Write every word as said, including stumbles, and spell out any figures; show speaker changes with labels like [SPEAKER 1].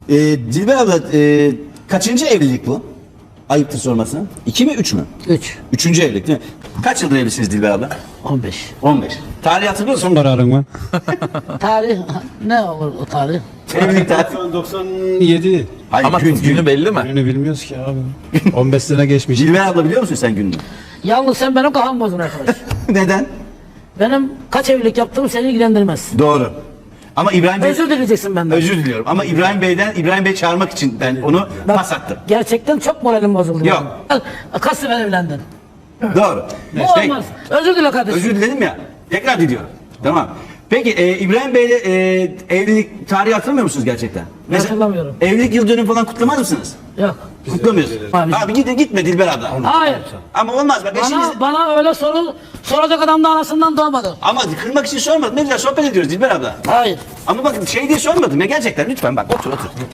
[SPEAKER 1] Ee, Dilber abla e, kaçıncı evlilik bu? Ayıptır sorması. İki mi üç mü?
[SPEAKER 2] Üç.
[SPEAKER 1] Üçüncü evlilik değil mi? Kaç yıldır evlisiniz Dilber abla?
[SPEAKER 2] On beş.
[SPEAKER 1] on beş. Tarih hatırlıyor musun?
[SPEAKER 3] Son kararın mı?
[SPEAKER 2] Tarih ne olur o tarih?
[SPEAKER 1] Evlilik tarihi.
[SPEAKER 3] doksan yedi.
[SPEAKER 1] Hayır,
[SPEAKER 4] Ama
[SPEAKER 1] gün,
[SPEAKER 4] günü
[SPEAKER 1] gün.
[SPEAKER 4] belli mi?
[SPEAKER 3] Gününü bilmiyoruz ki abi. on beş sene geçmiş.
[SPEAKER 1] Dilber abla biliyor musun sen gününü?
[SPEAKER 2] Yalnız sen benim kafam bozdun arkadaş.
[SPEAKER 1] Neden?
[SPEAKER 2] Benim kaç evlilik yaptığım seni ilgilendirmez.
[SPEAKER 1] Doğru. Ama İbrahim Bey...
[SPEAKER 2] Özür dileyeceksin benden.
[SPEAKER 1] Özür diliyorum ama İbrahim Bey'den İbrahim Bey çağırmak için ben onu
[SPEAKER 2] Bak,
[SPEAKER 1] pas attım.
[SPEAKER 2] gerçekten çok moralim bozuldu.
[SPEAKER 1] Yok.
[SPEAKER 2] benim. Kaç sefer evlendin?
[SPEAKER 1] Doğru.
[SPEAKER 2] Bu
[SPEAKER 1] Peki,
[SPEAKER 2] olmaz. Özür dile kardeşim.
[SPEAKER 1] özür diledim ya. Tekrar diliyorum. Tamam. Peki e, İbrahim Bey'le e, evlilik tarihi hatırlamıyor musunuz gerçekten?
[SPEAKER 2] Hatırlamıyorum.
[SPEAKER 1] Evlilik yıl dönümü falan kutlamaz mısınız?
[SPEAKER 2] Yok.
[SPEAKER 1] Kutlamıyorsunuz.
[SPEAKER 2] Abi.
[SPEAKER 1] Abi gitme gitme Dilber abla.
[SPEAKER 2] Hayır.
[SPEAKER 1] Ama olmaz bak eşiniz...
[SPEAKER 2] Bana, bana öyle soru soracak adam da anasından doğmadı.
[SPEAKER 1] Ama kırmak için sormadım. Ne güzel sohbet ediyoruz Dilber abla.
[SPEAKER 2] Hayır.
[SPEAKER 1] Ama bak şey diye sormadım ya gerçekten lütfen bak otur otur.